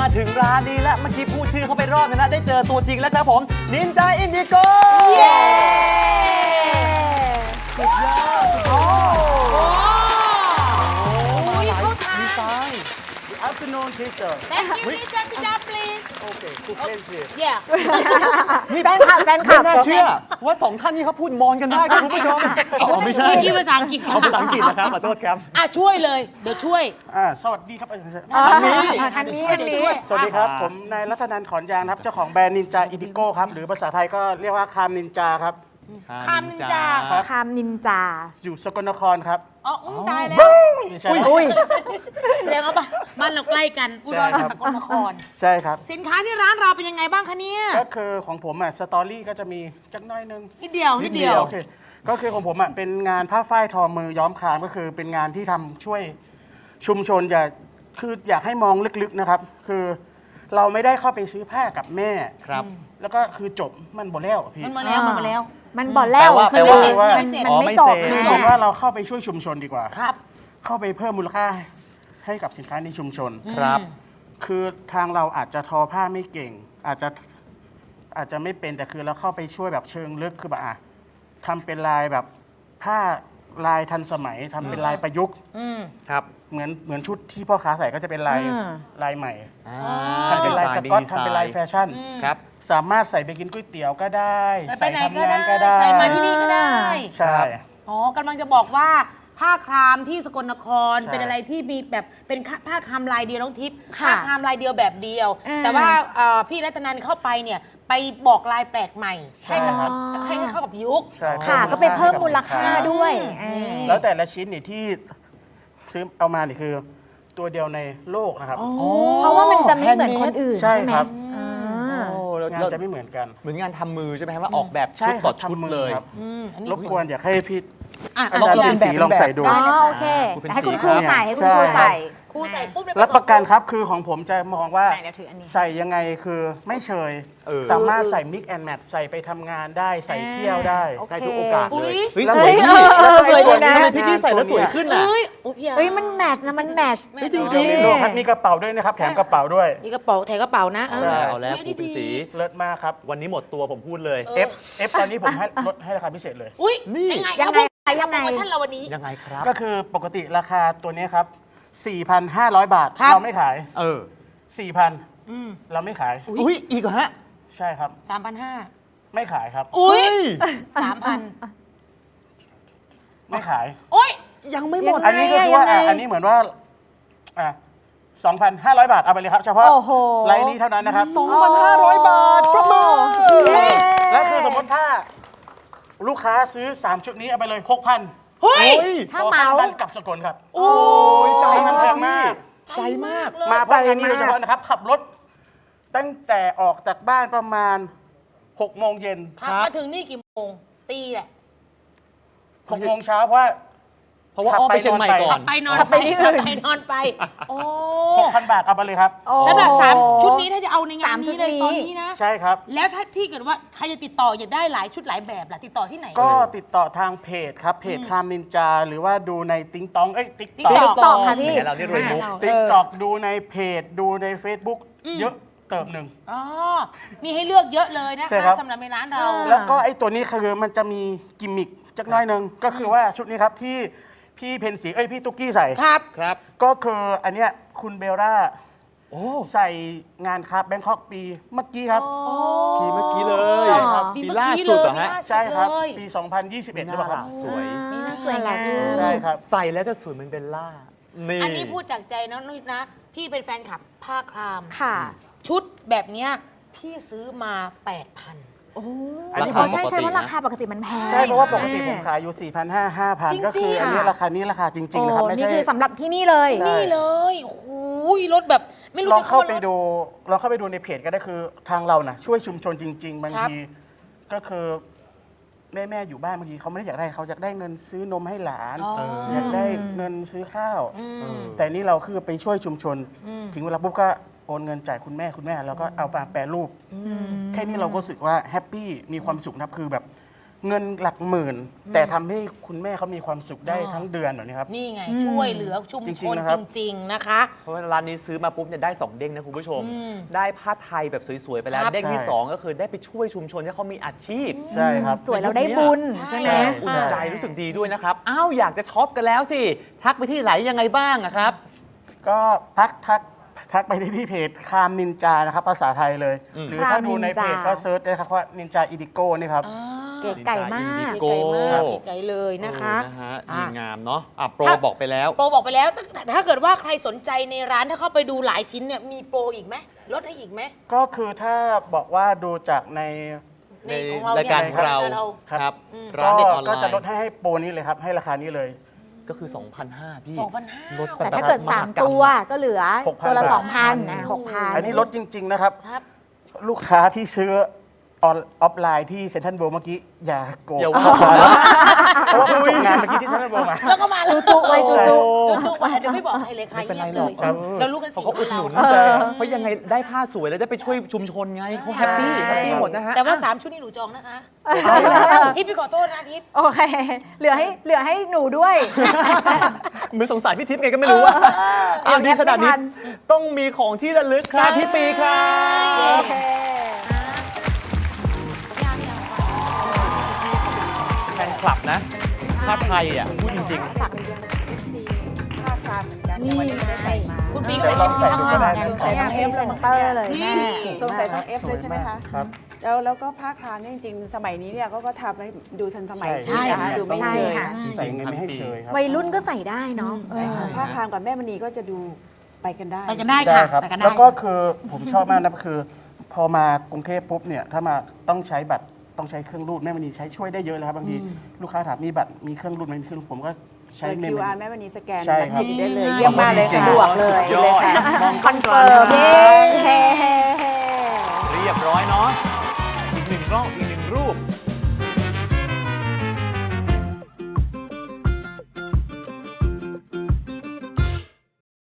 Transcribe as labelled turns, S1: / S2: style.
S1: ถึงร้านนี้แล้วเมื่อกี้พูดชื่อเขาไปรอบนึงแล้วได้เจอตัวจริงแล้วครับผมนินจาอินดิโกเย้สุดยอดโอ้
S2: เขาทาน
S1: ดีไซน์ Good afternoon teacher
S2: Thank you teacher sit down please
S1: Okay good pleasure
S2: Yeah
S1: นี่แฟนคลับไม่น่าเชื่อว่าสองท่านนี้เขาพูดมอญกันได้ครับคุณผู้ชมไม่ใช่
S2: พี่ภาษาอังกฤษ
S1: เอาภาษาอังกฤษนะครับขอโทษครับ
S2: ช่วยเลยเดี๋ยวช่วย
S3: สวัสดีครับ
S2: อันนี้
S3: สวัสดีครับ ผมนายรัตนันท์ขอนยางครับ เจ้าของแบรนด์นินจาอิดิโก้ครับ หรือภาษาไทยก็เรียกว่าคามนินจาครับ
S2: คามนินจา
S4: คามนินจา
S3: อยู่สกลนครครับ
S2: อ๋อตายแล้ว
S3: ไม่ใช่
S2: แสดงว่ามันเราใกล้กันอุดรกับสกลนคร
S3: ใช่ครับ
S2: สินค้าที่ร้านเราเป็นยังไงบ้างคะเนี่ย
S3: ก็คือของผมสตอรี่ก็จะมีจักหน้อยนึง
S2: นิดเดียว
S3: โอเคก็คือของผมเป็นงานผ้าฝ้ายทอมือย้อมครามก็คือเป็นงานที่ทำช่วยชุมชนอยากให้มองลึกๆนะครับ คือเราไม่ได้เข้าไปซื้อผ้ากับแม่
S1: ครับ
S3: แล้วก็คือจบมันหมดแล้วพี่
S2: มันมาแล้ว
S4: มันบอกแล้ว
S1: แปลว่า
S4: คือ
S3: ว่า
S4: มัน
S1: อ๋อ
S4: ไม่จบ
S1: ไม่เสร็จ
S3: คือผมว่าเราเข้าไปช่วยชุมชนดีกว่า
S2: ครับ
S3: เข้าไปเพิ่มมูลค่าให้กับสินค้าในชุมชน
S1: ครับ
S3: คือทางเราอาจจะทอผ้าไม่เก่ง อาจจะไม่เป็นแต่คือเราเข้าไปช่วยแบบเชิงลึกคือแบบทำเป็นลายแบบผ้าลายทันสมัยทำเป็นลายประยุกต์
S1: ครับ
S3: เหมือนชุดที่พ่อค้าใส่ก็จะเป็นลายใหม่ทำเป็นลายส
S1: ดี
S3: ก๊อต
S1: ไซน์
S3: ทำเป็นลายแฟชั่น
S1: ครับ
S3: สามารถใส่ไปกินก๋วยเตี๋ยวก็ได้
S2: ไปไหน
S3: ทำงาน
S2: ก็
S3: ก็
S2: ได้
S3: ได้
S2: ใส่มาที่นี่ก็ได้
S3: ใช่
S2: อ๋อกำลังจะบอกว่าผ้าครามที่สกลนคร
S3: ใช่
S2: เป็นอะไรที่มีแบบเป็นผ้าครามลายเดียวน้องทิพย์
S4: ค่ะ
S2: ผ้าครามลายเดียวแบบเดียว
S4: อ่า
S2: แต่ว่าพี่รัตนันเข้าไปเนี่ยไปบอกลายแปลกใหม่ให้กับ
S4: อ๋อ
S2: ให้เข้ากับยุค
S3: ใช่
S4: ค่ะก็ไปเพิ่มมูลค่าด้วยอ่า
S3: แล้วแต่ละชิ้นนี่ที่ซื้อเอามานี่คือตัวเดียวในโลกนะครับ
S4: เพราะว่ามันจะไม่เหมือนคนอื่น
S3: ใช่
S4: ใช่ไหม
S3: ครับ
S4: อ่า
S1: โอ้แล้ว
S3: งานจะไม่เหมือนกัน
S1: เหมือนงานทำมือใช่ไหมครับว่าออกแบบ
S3: ใช่
S1: ชุด
S3: ค
S1: ต่
S3: รั
S1: อบ ชุด
S3: ทำมือ
S1: เลย
S3: ครับ
S2: อันนี้
S3: รบกวนอยากให้พี่
S2: อ่ะ
S3: อาจารย์
S2: ลอง
S3: เป็นสีลองใส่ดู
S4: อ๋อโอเค
S1: คุณเป็น
S4: ให้คุณ
S1: สี
S4: ครู
S1: ครับ
S4: ใส่ให้คุณครูใส่
S2: ครูใส่ปุ๊บเลย
S3: รับประกันครับคือของผมจะมองว่า
S4: ไหนเดี๋ยวถืออันนี้
S3: ใส่ยังไงคือไม่เชย สามารถใส่ mix and match ใส่ไปทำงานได้ใส่เที่ยวได้
S4: โอเค
S1: ได้ทุกโอกาสเลย เฮ้ย
S3: แล้ว
S1: สวยพี่
S4: สวยดีนะ
S1: ทำไมพี่กี้ใส่แล้วสวยขึ้นอ่ะ
S2: เฮ้ยอุ๊ยพี่อา
S4: เฮ้ยมันแมทช์นะมันแมทช์
S1: เฮ้ยจริง
S3: มีกระเป๋าด้วยนะครับแถมกระเป๋าด้วย
S2: มีกระเป๋าแถกระเป๋านะ
S3: ใช่
S1: เอาแล้วครูเป็นสี
S3: เลิศมากครับ
S1: วันนี้หมดตัวผมพูดเลย
S3: F ตอนนี้ผมให้ลดให้ราคาพิเศษเลย
S2: อุ้ย
S1: นี่
S2: ยังไง
S4: ยังไง
S2: โปรโมชั่นเราวันนี้
S1: ยังไงครับ
S3: ก็คือปกติราคาตัวนี้ครับ 4,500 บาท
S2: ครับ
S3: เราไม่ขาย
S1: เออ
S3: 4,000เราไม่ขาย
S1: อุ้ยอีกเหรอฮะ
S3: ใช่ครับ
S2: 3,500
S3: ไม่ขายครับ
S2: อุ้ย
S1: เฮ้ย
S2: 3,000
S3: ไม่ขาย
S2: อุ้ย
S1: ยังไม่หมด
S3: อันนี้ก็คือว่า
S4: ยังไง
S3: อันนี้เหมือนว่า2,500 บาทเอาไปเลยครับ เฉพาะ
S4: โอ้โห
S3: ไลน์นี้เท่านั้นนะครับ
S1: 2,500 บาทปรบมือ
S3: และคือสมมติถ้าลูกค้าซื้อ 3 ชุดนี้เอาไปเลย 6,000
S2: เฮ้ย
S1: เฮ้ย
S4: ถ้าเหมา
S3: บ้านกลับสกลครับ
S2: โอ้ย
S1: ใจ
S3: มันแพงมาก
S1: ใจมาก
S2: เลย
S3: มาเพราะอันนี้โดยเฉพาะนะครับ ขับรถตั้งแต่ออกจากบ้านประมาณ6 โมงเย็น
S2: มาถึงนี่กี่โมง ตีแหละ
S3: 6 โมงเช้าเพราะว่า
S1: เพราะว่าอ้อมไปเชียงใหม่ก่อน
S2: ไปนอน
S4: ขับ
S2: ไป
S4: ไปที่อื่น
S2: ไปนอนไป โอ้
S3: 6,000 บาทเอาไปเลยครับ
S4: โอ้
S2: สำหรับ3ชุดนี้ถ้าจะเอาในงาน
S4: สามชุ
S2: นี้
S4: ด
S2: เลย
S4: นี้
S2: ตอนนี้นะ
S3: ใช่ครับ
S2: แล้วถ้าที่เกิดว่าใครจะติดต่ออยากได้หลายชุดหลายแบบล่ะติดต่อที่ไหน
S3: ก็ติดต่อทางเพจครับ เพจคามนินจา หรือว่าดูในติ๊งตองติ๊ก
S2: TikTok
S3: ต็อก
S4: ตอบค่ะพี่
S1: แหมเรานี่รวยมุก
S3: ติ๊กต็อกดูในเพจดูใน Facebook เยอะเติบหนึ่ง
S2: อ๋อ มีให้เลือกเยอะเลยนะ
S3: ใช่ครั
S2: คะ
S3: บ
S2: สำหรับในร้านเรา
S3: แล้วก็ไอ้ตัวนี้คือมันจะมีกิมมิคจักหน้อยหนึงก็คือว่าชุดนี้ครับที่พี่เพนสีพี่ตุ๊กกี้ใส่
S2: ครับ
S1: ครับ
S3: ก็คืออันเนี้ยคุณเบลล่า
S1: โอ้
S3: ใส่งานครับแบงคอกปีเมื่อกี้ครับ
S1: ทีเมื่อกี้เลย
S3: ใช่ครับ
S1: ปีล่าสุดเหรอฮะ
S3: ใช่ครับ
S2: เลย
S3: ปี 2021หรือเปล่าครับ
S1: สวย
S2: มีน่า
S4: สวยงาม
S3: ใช่ครับ
S1: ใส่แล้วจะสวยเหมือนเบลล่า นี่
S2: อันนี้พูดจากใจนะนุ้ยนะ พี่เป็นแฟนคลับผ้าคราม
S4: ค่ะ
S2: ชุดแบบเนี้ยพี่ซื้อมา 8,000
S4: โอ้
S3: อันนี้
S4: ใช่ใช่ว่าราคาปกติมันแพง
S3: ใช่เพราะว่าปกติผมขายอยู่ 4,500
S2: จริงๆ
S3: 5,000 ก็คืออันนี้
S4: ค่ะ
S3: ราคานี้ราคาจริง ๆ นะครับ
S4: โอ้
S3: ไม่
S4: นี่
S3: ใช่
S4: คือสำหรับที่นี่เลย
S3: ใช่
S2: นี่เลยโอ้โหรถแบบไม่รู้
S3: ลอง
S2: จะ
S3: เข้า
S2: เข้า
S3: ไป
S2: รถ
S3: ดูลองเข้าไปดูในเพจก็ได้คือทางเรานะช่วยชุมชนจริง ๆ บาง
S2: ครับ
S3: ทีก็คือแม่อยู่บ้านบางทีเขาไม่ได้อยากได้เขาอยากได้เงินซื้อนมให้หลาน อยากได้เงินซื้อข้าว แต่นี่เราคือไปช่วยชุมชน ถึงเวลาปุ๊บก็โอนเงินจ่ายคุณแม่แล้วก็เอามาแปรรูปแค่นี้เราก็รู้สึกว่าแฮปปี้มีความสุขนะครับคือแบบเงินหลักหมื่น แต่ทำให้คุณแม่เขามีความสุขได้ทั้งเดือนแบบนี้ครับ
S2: นี่ไงช่วยเหลือชุม
S3: จ
S2: ช
S3: ริง
S2: น
S3: ๆนะครับ
S2: จริง ๆ นะคะ
S1: เพราะว่าร้านนี้ซื้อมาปุ๊บเนี่ยได้ 2 เด้งนะคุณผู้ชม ได้ผ้าไทยแบบสวยๆไปแล้ว
S2: ครับ
S1: เด้งที่
S3: ใช่
S1: 2 ก็คือได้ไปช่วยชุมชนที่เขามีอาชีพ
S3: ใช่ครับ
S4: สวยเราได้บุญใช่ไหม
S1: อุ่นใจรู้สึกดีด้วยนะครับ อ้าว อยากจะช็อปกันแล้วสิ ทักไปที่ไหนยังไงบ้างอะครับ
S3: ก็ทักไปที่เพจคามนินจานะครับภาษาไทยเลย หรือถ้าดูในเพจก็เซิร์ชได้ครับว่านินจาอีดิโก้นี่ครับ
S4: เก๋ไก่มาก
S1: โก้
S2: ไก่มากไก่เลยนะคะ
S1: นะฮะ
S2: อ่ะ
S1: ดีงามเนาะอ่ะโปรบอกไปแล้ว
S2: โปรบอกไปแล้วแต่ถ้าเกิดว่าใครสนใจในร้านถ้าเข้าไปดูหลายชิ้นเนี่ยมีโปรอีกไหมลดให้อีกไหม
S3: ก็คือถ้าบอกว่าดูจากใน
S1: ใน
S2: ของเรา
S1: รายการของเรา
S2: เนี่ย
S1: ครับ
S3: ก็
S1: ร้านเด็ดออนไล
S3: ก็จะลด
S1: น์
S3: ให้โปรนี้เลยครับ ให้ราคานี้เลย
S1: ก็คือ 2,500 พี่
S2: 2,500
S1: ลด
S4: แต่ถ้าเกิด 3 ตัวก็เหลือ
S3: 6,000
S4: ตัวละ
S3: บาท
S4: 2,000นะ6,000
S3: อันนี้ลดจริง ๆ นะครับ
S2: ครับ
S3: ลูกค้าที่ซื้อออฟไลน์ที่เซ็นทรัลเวิลด์เมื่อกี้ อย่าโกรธ
S1: อย่า
S3: เพ
S1: ว่า
S3: ราะว่าเพิ่งจบงานเมื่อกี้ที่เซ็นทรัลเวิลด์มา
S2: แล้วก็มาเลย
S4: จุๆไว้จุ
S2: จุๆมาเดี๋ยวไม่บอกใครเลยค่ะ
S1: ไม่เป็นไร
S2: เงียบ
S1: หร
S2: เล
S1: อก
S2: ยเรารู้กัน
S1: เขา
S2: สี่
S1: ก็อุดหนุน
S2: เรา
S1: เพราะยังไงได้ผ้าสวยแล้วได้ไปช่วยชุมชนไงเขาแฮปปี้แฮปปี้หมดนะฮะ
S2: แต่ว่า 3 ชุดนี้หนูจองนะคะทิพย์พี่ขอโทษนะทิพย์
S4: โอเค เหลือให้หนูด้วย
S1: เหมือนสงสารพี่ทิพย์ไงก็ไม่รู้ว่าอ้าวดีขนาดนี้
S4: ไม่ทัน
S1: ต้องมีของที่ระลึกครับพี่ปีครับ
S4: โอเค
S1: แฟนคลับนะผ้าไทยอ่ะพูดจริง
S4: นี่ไง
S2: คุณปี
S3: เดี๋
S2: เค
S3: ย
S2: ยว
S3: ล
S2: เห็
S3: อน ง
S2: ไหม
S3: ใส่
S2: คะ
S3: ดูก็ได้นะ
S4: ใส่น้องเอฟเซนเตอร์เลยแม่
S5: สงสัยน้องเอฟเลยใช่ไหมคะ
S3: ครับ
S5: แล้วก็ภาคทานเนี่ยจริงๆ สมัยนี้เนี่ยเขาก็ทำให้ดูทันสมัย
S3: ใช่
S5: นะคะดูไม่เชย
S4: ใช่ค่ะ
S3: ใส่เงินไม่ให้เชยครับ
S4: วัยรุ่นก็ใส่ได้เนาะ
S5: ภาคทานกับแม่มณีก็จะดูไปกันได้
S2: ไปกันได้
S3: ได้
S2: ค่ะ
S3: ครับ
S2: ไปกันได้
S3: แล้วก็คือผมชอบมากนะคือ พอมากรุงเทพปุ๊บเนี่ยถ้ามาต้องใช้บัตรต้องใช้เครื่องรูดแม่มณีใช้ช่วยได้เยอะเลยครับบางทีลูกค้าถามมีบัตรมีเครื่องรูดไหมมีเครื่องรูดผมก็ใช้
S5: เปิด
S3: เมม
S5: QR แม่มณีสแกน
S3: ใช่ครับ
S5: ได้เลยเยี่ยมมากเลย
S3: จริง
S5: ค่ะ
S3: ๆ
S5: สะดวกเลย
S1: สุดยอด
S5: เลยค่ะ
S1: มองคอนเฟิร์ม
S4: เย้เฮ้
S1: เรียบร้อยเนาะอีกหนึ่งกล้องอีกหนึ่งรูป